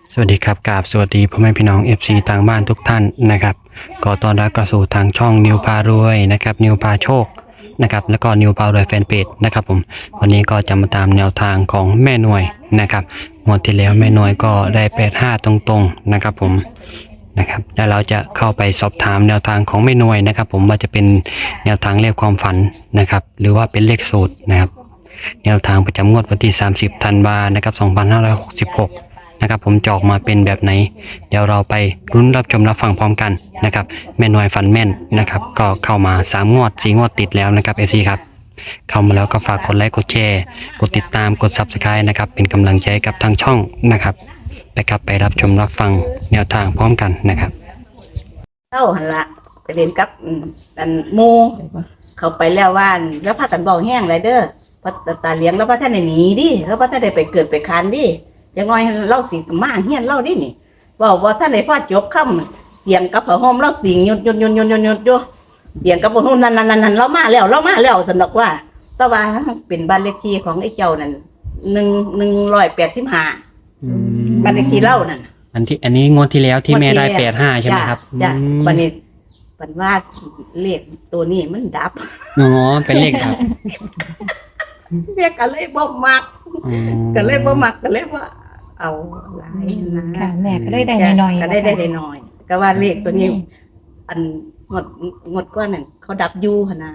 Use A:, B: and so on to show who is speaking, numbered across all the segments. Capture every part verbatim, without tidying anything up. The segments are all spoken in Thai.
A: สวัสดีครับกราบสวัสดีพ่อแม่พี่น้อง เอฟ ซี ทางบ้านทุกท่านนะครับก็ต้อนรับเข้าสู่ทางช่องนิวพารวยนะครับนิวพาโชคนะครับแล้วก็นิวพารวยแฟนเพจนะครับผมวันนี้ก็จะมาตามแนวทางของแม่หน่วยนะครับงวดที่แล้วแม่หน่วยก็ได้แปดห้าตรงๆนะครับผมนะครับแล้วเราจะเข้าไปสอบถามแนวทางของแม่หน่วยนะครับผมว่าจะเป็นแนวทางเลขความฝันนะครับหรือว่าเป็นเลขสูตรนะครับแนวทางประจำงวดวันที่สามสิบธันวาคมนะครับสองพันห้าร้อยหกสิบหกนะครับผมจะออกมาเป็นแบบไหนเดี๋ยวเราไปรุ้นรับชมรับฟังพร้อมกันนะครับแม่หน่วยฝันแม่นนะครับก็เข้ามาสามงวดสี่งวดติดแล้วนะครับ เอฟ ซี ครับเข้ามาแล้วก็ฝากกดไลค์กดแชร์กดติดตามกด ซับสไครบ์ นะครับเป็นกำลังใจกับทางช่องนะครับไปครับไปรับชมรับฟังแนวทางพร้อมกันนะครับ
B: เต้าหันละไปเรียนกับอืมอันหมูเขาไปแล้วว่านแล้วพากันเบาแห้งไรเด้อพระตาเลี้ยงแล้วพระท่านได้หนีดิแล้วพระท่านได้ไปเกิดไปคานดิจะงอยเล่าสิมาเฮียนเล่าดินี่บอกว่าท่านได้พ่อจบค่ำเตียงกับผ้าห่มเล่าติ่งยุดยุดยุดยุดยุดยุดยุดเตียงกับผ้าห่มนั่นนั่นนั่นนั่นเรามาแล้วเรามาแล้วสนุกว่าแต่ว่าเป็นบ้านเลขที่ของไอ้เจ้านั่นหนึ่งหนึ่งร้อยแปดสิบห้าบ้านเลขที่เล่านั่น
A: อันที่อันนี้งวดที่แล้วที่แม่ได้แปดห้าใช่ไหมครับ
B: จ้ะวันนี้วันว่าเลขตัวนี้มันดับ
A: อ๋อเป็นเลขดับ
B: เรียกกันเลยบ่มักกันเลยบ่มักกันเลยว่าเอาหลายนะ
C: ค่ะแม่ก็ได้ได้น้อยๆ
B: ก็ได้ได้น้อยก็ว่าเลขตัวนี้อันงดงดก้อนนั่นเขาดับยูหนะ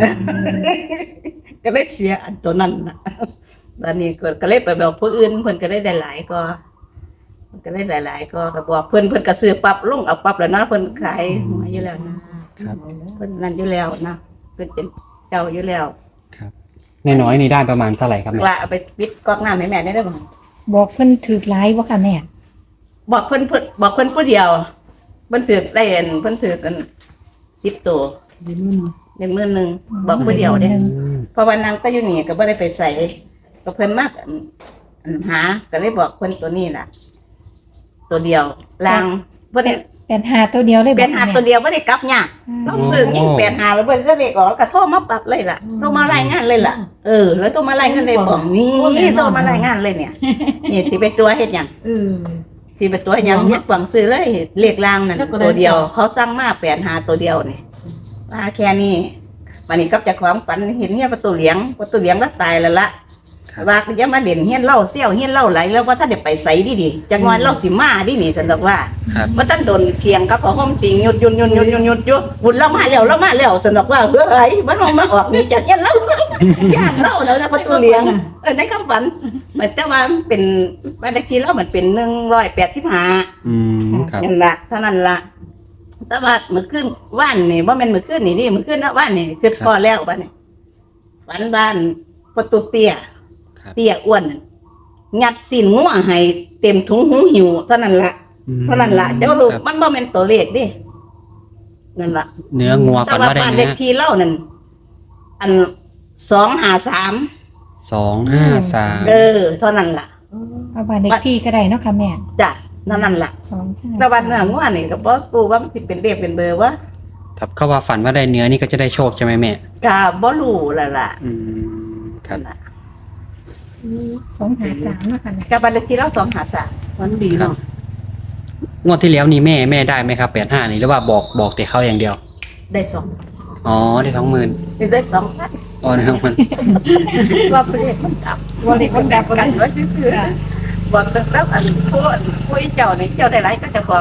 B: ก็เลยเสียอันตัวนั้นนะตอนนี้ก็เลยไปบอกผู้อื่นเพิ่นก็ได้ได้หลายก็ก็ได้หลายๆก็ก็บอกเพิ่นเพิ่นก็ซื้อปรับลงเอาปรับแล้วนะเพิ่นขายหวยอยู่แล้วนะครับเพิ่นนั่นอยู่แล้วนะเพิ่นเป็นเจ้าอยู่แล้ว
A: ครับน้อยๆนี่ได้ประมาณเท่าไหร่ครับแม่
B: ละเอาไปปิดก๊อกน้ำให้แม่ได้บ่
C: บอกเพิ่นถือหลายบ่ค่ะแม่
B: บอกเพิ่นเพิ่นบอกเพิ่นผู้เดียวเพิ่นถือได้อันเพิ่นถือกันสิบตัวหนึ่งหมื่นหนึ่งบอกผู้เดียวเด้เพราะว่านางตะอยู่นี่ก็บ่ได้ไปใส่ก็เพิ่นมากอันหาก็เลยบอกเพิ่นตัวนี้ล่ะตัวเดียวลางเพิ่น
C: เป็นหาตัวเดียวเลย
B: เป็นหาตัวเดียวบ่ได้กลับยากเราซื้อยิ่งแปดหาแล้วเพิ่นก็เลขออกก็โทรมาปรับเลยล่ะโทรมารายงานเลยล่ะเออแล้วโทรมารายงานเลยบอกนี่โทรมารายงานเลยเนี่ยนี่สิไปตัวเฮ็ดหยัง
C: เออ
B: สิไปตัวหยังมักหวังซื้อเลยเลขลางนั่นตัวเดียวเขาสั่งมาแปดหาตัวเดียวนี่ว่าแค่นี้วันนี้กับเจ้าของฝันเห็นเนี่ยประตูเหลียงประตูเหลียงแล้วตายแล้วละว่าจะมาเล่นเฮียนเล่าเซี่ยวเฮียนเล่าไหลแล้วว่าถ้าเดี๋ยวไปใส่ดิดิจะงอนเล่าสิมาดินี่ฉันบอกว่าว่าท่านโดนเคียงกับของห้องติงยุดยุดยุดยุดยุดยุดยุดบุญเล่ามาแล้วเล่ามาแล้วฉันบอกว่าเฮ้ยมันมองมาออกนี่จากเฮียนเล่าย่านเล่าแล้วนะประตูเหลียงเออในคำฝันมันแต่ว่าเป็นบ้านเลขที่เล่ามันเป็นหนึ่งร้อยแปดสิบห้า
A: อืมครับ
B: นั่นละเท่านั้นละแต่ว่าเมื่อคืนว่านนี่ว่ามันเมื่อคืนนี่นี่เมื่อคืนนะว่านนี่คือพอแล้วบ้านนี่ฝันบ้านประตูเตี้ยเตี้ยอ้วนงัดสินงัวให้เต็มถุงหูหิวเท่านั้นละเท่านั้นละเจ้าลูกมันบ่แม่นตัวเลขดินั่นละ
A: เนื้องัวฝันว่าได้
B: บ้านเลขที่เล่านั่นอันสองห้าสาม
A: สองห้าสาม
B: เออเท่านั้นละ
C: เอาบ้านเลขที่ก็ได้เนาะค่ะแม่
B: จ้ะนั่นนั่นละ
C: สอง
B: แต่วันเนื้องัวนี่ก็บ่รู้ว่ามันสิเป็นเลขเป็นเบอร์วะ
A: ถ้าเขาว่าฝันว่าได้เนื้อนี่ก็จะได้โชคใช่ไหมแม่
B: ก็บ่รู้ละล่ะ
A: อืมครับ
C: สองหาสามเนาะค่ะ
B: กับบ้านเลขที่เราสองหาสามมันดีเนาะ
A: งวดที่แล้วนี่แม่แม่ได้ไหมครับแปดห้านี่หรือว่าบอกบอกแต่เขาอย่างเดียว
B: ได้สอง
A: อ๋อได้สองหมื่น
B: ได้สองพัน
A: อ๋อได้สองพัน
B: ว่าเลขมันดับว่าเลขมันดับกันว่าซื่อๆบอกแล้วอันผู้ผู้เจ้านี่เจ้าได้หลายก็จะของ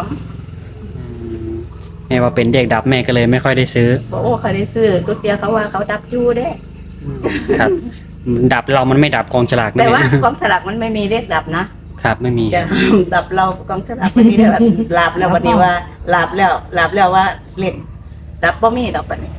A: แม่ว่าเป็นเด็กดับแม่ก็เลยไม่ค่อยได้ซื้อ
B: โอ้เขาได้ซื้อตัวเตียเขาว่าเขาดับอยู่เด้
A: ครับดับเรามันไม่ดับกองฉลาก
B: แต่ว่ากองฉลากมันไม่มีเลขดับนะครับ
A: ไม่มี
B: จะดับเรากองฉลากไม่มีเลขดับลาบแล้ววันนี้ว่าลาบแล้วลาบแล้วว่าเลขดับบ่มีดอกปันนี้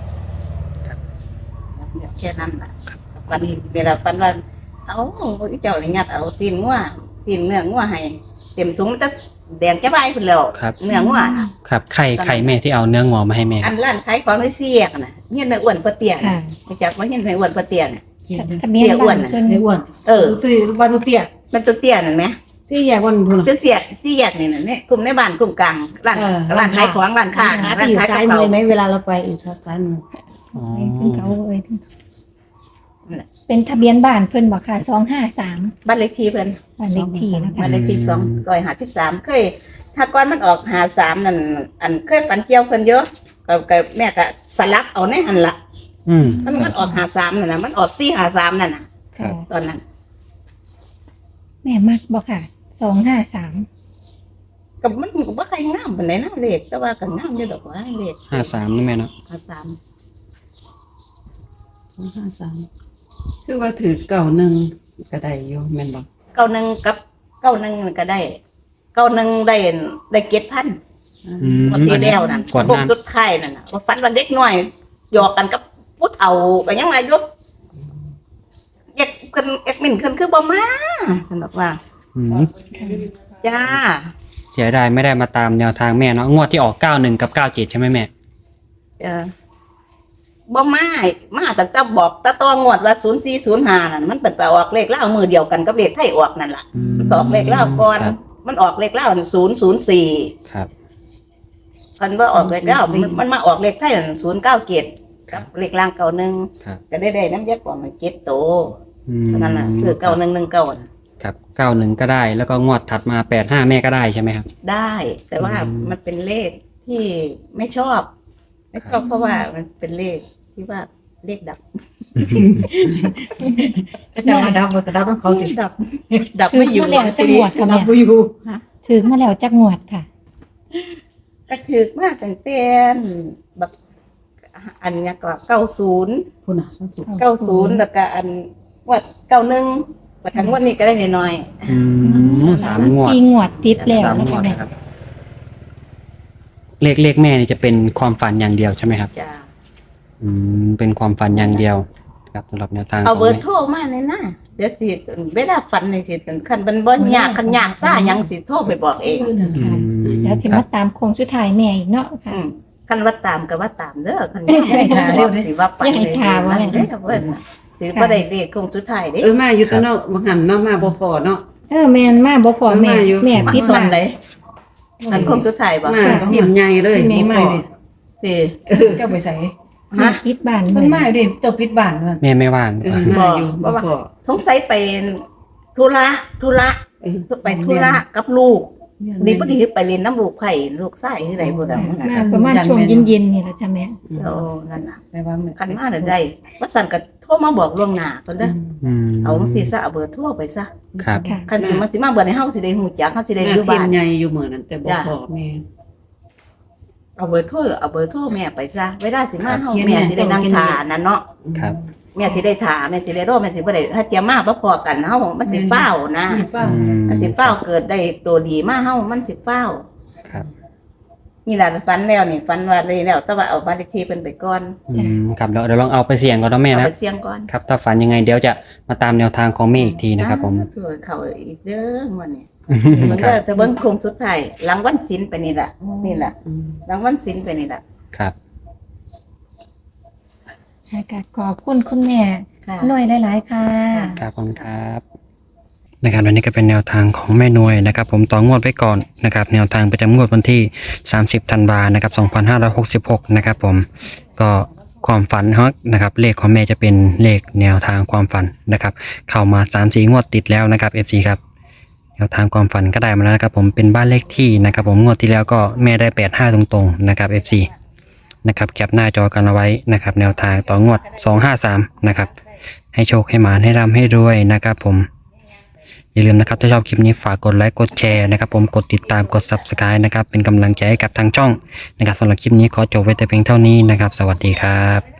B: แค่นั้นแหละวันนี้เวลาปันว่าเอาเจ้านี่งัดเอาซีนงัวซีนเนื้องัวให้เต็มถุงจะแดงจะใบพุ่นแล้วเนื้องัว
A: ครับไข่ไข่แม่ที่เอาเนื้องัวมาให้แม่
B: อันร้านขายของได้เสียกน่ะเฮียนในอ้วนปะเตียนจากว่าเฮียนในอ้วนปะเตียน
C: ทะเบียนบ้านเพิ่น
D: อ้วน
B: เออ
D: ตัวบ้านตัวเตี้ย
B: มันตัวเตี้ยนั่นไหม
D: สี่แยกวันทุน
B: เสียเสียสี่แยกนี่นั่นนี่กลุ่มในบ้านกลุ่มกลางร้านร้านขายของร้านค้า
D: ร้านขายซ้ายมือไหมเวลาเราไปอยู่ซ้ายมือ
C: อ๋อซึ่งเขาเอ้ยเป็นทะเบียนบ้านเพิ่นบอกค่ะสองห้าสาม
B: บ้านเลขที่เพิ่น
C: บ้านเลขที่นะคะ
B: บ้านเลขที่สองร้อยห้าสิบสามเคย ถ้าก่อนมันออกหาสามนั่นอันเคยฝันเกี่ยวเพิ่นเยอะก็ก็แม่ก็สลับเอาในหันละ
A: อืม
B: มันมันออกหาสามนั่นน่ะมันออกสี่หาสามนั่นน่ะ
C: ค่ะ
B: ตอนนั้น
C: แม่มักบอกค่ะสองห้าสาม
B: ก็มันก็บ่ใครงามปานใดนะเลขแต่ว่าก็งามอยู่ดอกว่าเลข
A: ห้าสามนี่แม่เนาะ
B: หาสาม
D: สองห้าสามคือว่าถือเก่าหนึ่งก็ได้อยู่แม่นบ่
B: เก้าหนึ่งกับเก้าหนึ่งก็ได้เก้าหนึ่งได้ได้เจ็ดพัน
A: อืม
B: วันที่แล้วนั่น
A: ก่อนห
B: พวก
A: น้า
B: สุดท้ายนั่นน่ะว่าฝันว่าเด็กน้อยหยอกกันกับผู้เฒ่าก็ยังมาอยู่เอ็กเพิ่นเอ็กมินเพิ่นคือบ่มาสำหรับว่า
A: อืม
B: จ้า
A: เสียดายไม่ได้มาตามแนวทางแม่เนาะงวดที่ออกเก้าหนึ่งกับเก้าเจ็ดใช่ไหมแม่
B: เออบ่มามาตั้งแต่บอกตะตองวดว่าศูนย์สี่ศูนย์ห้านั่นมันเป็นไปออกเลขเล่าวมือเดียวกันกับเลขไทยออกนั่นล่ะ
A: อืม
B: มันออกเลขเล่าวก่อน
A: ครับ
B: มันออกเลขเล่าวศูนย์ศูนย์สี่
A: ครับ
B: คันว่าออกเลขเล่าวมันมันมาออกเลขไทยศูนย์เก้าเจ็ดกับเลขล่างเก่าหนึ่ง
A: ครับ
B: ก็ได้ได้น้ำยักษ์กว่ามันเก็บโต
A: อืม
B: เท่านั้นล่ะซื้อเก่าหนึ่งหนึ่งเก่า
A: ครับเก้าหนึ่งก็ได้ แล้วก็งวดถัดมาแปดห้าแม่ก็ได้ใช่ไหมครับ
B: ได้ แต่ว่า
A: อืม
B: มันเป็นเลขที่ไม่ชอบ ไม่ชอบเพราะว่ามันเป็นเลขที่ว่าเลขดับ
D: ก็จะมาดับก็ดับเขาติด
B: ดับ ดับ
C: ถือ
B: ไม่อยู่
C: มาแล้วจักงวดค่ะ
D: ดั
C: แม่
D: บบ่อยู่
C: ถือมาแล้วจักงวดค่ะ
B: ก็ถือมากตั้งแต่แบบอันเนี้ยก็เก้าศูนย์
D: พุ่นน่ะถูก
B: เก้าศูนย์แล้วก็อันว่าเก้าหนึ่งแล้วกันวันนี้ก็ได้น้อย
A: อืมสามงวด
C: สี่งวดติดแล้ว
A: สาม
C: นะ
A: งว
C: คะ
A: ด
C: แม่
A: นะครับ เลขเลขแม่นี่จะเป็นความฝันอย่างเดียวใช่ไหมครับ
B: ๆจ้า
A: อืมเป็นความฝันอย่างเดียวครับสำหรับแนวทาง
B: เอา
A: ของ
B: เบอร์
A: แม่
B: โทรมาเลยนะเดี๋ยวสิเวลาฝันในสิคันเป็นบ่ยากคันยากซ่าหยังสิโทรไปบอกเอง
A: อืม
C: แล้วถึง
A: ครั
C: มา
A: บ
C: ตามโค้งสุดท้ายแม่อีกเนาะค่ะ
B: อืมคันว่าตามก็ว่าตามเด้อคันยากบอกสิว่าฝัน
C: อย่าให้ถามว่า
B: เด้อเพิ่นสิบ่ได้เลขคงสุดท้ายเด้
D: เออมาอยู่ตัวเนาะบ่หันเนาะมาบ่พอเนาะ
C: เออแม่นมาบ่พอแม่
D: มาอยู่
C: แม่พิด
B: ตอ
C: มาน
B: ไหนอันคงสุดท้ายบ่
D: มาหิมใหญ่เลย
B: มีใหม่สิ
D: เจ้าไปใส่
C: แม่พิดบ้าน
D: มั
C: เบิ่
D: น
C: ง
D: มาอยู่ดิเจ้าปิดบ้านนั่น
A: แม่ไม่ว่าง
D: เออมาอยู่บ่พอ
B: สงสัยเป็นธุระธุระ
D: เออ
B: ไปธุระกับลูกดีบ่ดีไปเรียนน้ำลูกไผ่ลูกไส้ที่ไหนบ่ได้
C: มาประมาณช่วงเย็นๆนี่แหละจ้ะแม่
B: โอ้นั่นน่ะ
D: แปลว่า
B: คันมาได้ได้ว่าสั่นก็โทรมาบอกล่วงหน้าเพิ่นเด้อ
A: อืม
B: เอาจังซี่ซะเอาเบอร์โทรไปซะ
A: ครับ
C: ค่ะ
B: คันสิมันสิมาเบอร์ให้เฮาสิได้ฮู้จักเฮาสิได้
D: แม่
B: อยู่
D: พิ
B: บ้าม น
D: พ์ใหญ่อยู่เหมือนนั้นแต่บ่พอแม่
B: เอาเบอร์โทรเอาเบอร์โทรแม่ไปซะเวลาสิมาเฮา
D: เขียน
B: แม่
D: แม่
B: สิได้นั่ง
D: เขียน
B: ทานั่นเนาะ
A: ครับ
B: แม่สิได้ทาแม่สิได้รอแม่สิบ่ได้ถ้าเตรียมมาบ่พอกันเฮามันสิฟ้าวนะ
D: มีฟ้า
A: อืม
B: มันสิฟ้าวเกิดได้ตัวดีมาเฮามันสิฟ้าว
A: ครับ
B: นี่ล่ะฝันแล้วนี่ฝันว่าเลยแล้วแต่ว่าเอาบ้านเลขที่เพิ่นไปก่อน
A: อืมครับเดี๋ยวเดี๋ยวลองเอาไปเสี่ยงก่อนนะแม่
B: เอา
A: นะ
B: ไปเสี่ยงก่อน
A: ครับถ้าฝันยังไงเดี๋ยวจะมาตามแนวทางของแม่อีกทีนะครับผม
B: เผื่อเขาอีกเด้อวันนี้มัน
A: ค
B: ก็
A: รับ
B: จะเบิ่งโคงสุดท้ายหลังวันศีลไปนี่ล่ะนี่ล่ะหลังวันศีลไปนี่ล่ะ
A: ครับ
C: ค่ะก็ขอบคุณคุณแม่
B: ค่ะ
C: หน่วยหลายๆค่ะ
A: ครับขอบคุณครับนะครับวันนี้ก็เป็นแนวทางของแม่นวยนะครับผมต่องวดไว้ก่อนนะครับแนวทางประจำงวดวันที่สามสิบธันวานะครับสองพันห้าร้อยหกสิบหกนะครับผมก็ความฝันฮะนะครับเลขของแม่จะเป็นเลขแนวทางความฝันนะครับเข้ามาสามสี่งวดติดแล้วนะครับ เอฟ ซี ครับแนวทางความฝันก็ได้มาแล้วนะครับผมเป็นบ้านเลขที่นะครับผมงวดที่แล้วก็แม่ได้แปดห้าตรงๆนะครับ เอฟ ซี นะครับแคปหน้าจอกันเอาไว้นะครับแนวทางต่องวดสองห้าสามนะครับให้โชคให้หมานให้ร่ำให้รวยนะครับผมอย่าลืมนะครับถ้าชอบคลิปนี้ฝากกดไลค์กดแชร์นะครับผมกดติดตามกด ซับสไครบ์ นะครับเป็นกำลังใจให้กับทางช่องนะครับสำหรับคลิปนี้ขอจบไว้แต่เพียงเท่านี้นะครับสวัสดีครับ